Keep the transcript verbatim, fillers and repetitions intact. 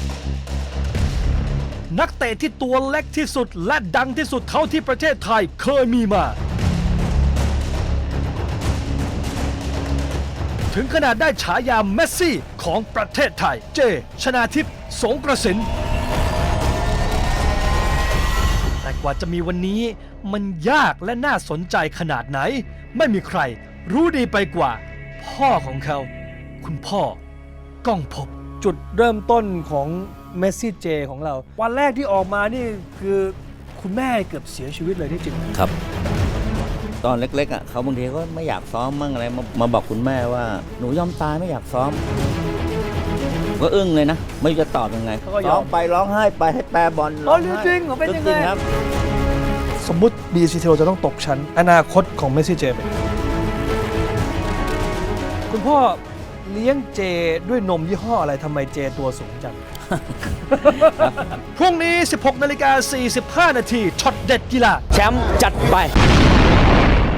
นักเตะที่ตัวเล็กที่สุดและดังที่สุดเท่าที่ประเทศไทยเคยมีมา ถึงขนาดได้ฉายาเมสซี่ของประเทศไทยเจชนาทิพย์สงกระสินแต่กว่าจะมีวันนี้มันยากและน่าสนใจขนาดไหนไม่มีใครรู้ดีไปกว่า พ่อของเขาคุณพ่อก้องภพจุดเริ่มต้นของเมสซี่เจของเราวันแรกที่ออกมานี่คือคุณแม่เกือบเสียชีวิตเลยที่จริงครับ ตอนเล็กๆอ่ะเขาบางทีก็ไม่อยากซ้อมมั่งอะไรมามาบอกคุณแม่ว่าหนูยอมตายไม่อยากซ้อมก็อึ้งเลยนะไม่รู้จะตอบยังไงเขาก็ยอมร้องไปร้องไห้ไปให้แปรบอลอ๋อร้ไห้จริงเหรอเป็นยังไงจริครับสมมุติ บี ซี ที จะต้องตกชั้นอนาคตของเมสซี่เจเป็นคุณพ่อเลี้ยงเจด้วยนมยี่ห้ออะไรทำไมเจตัวสูงจัง พรุ่งนี้ สิบหกนาฬิกาสี่สิบห้านาทีช็อตเด็ดกีฬาแชมป์จัดไป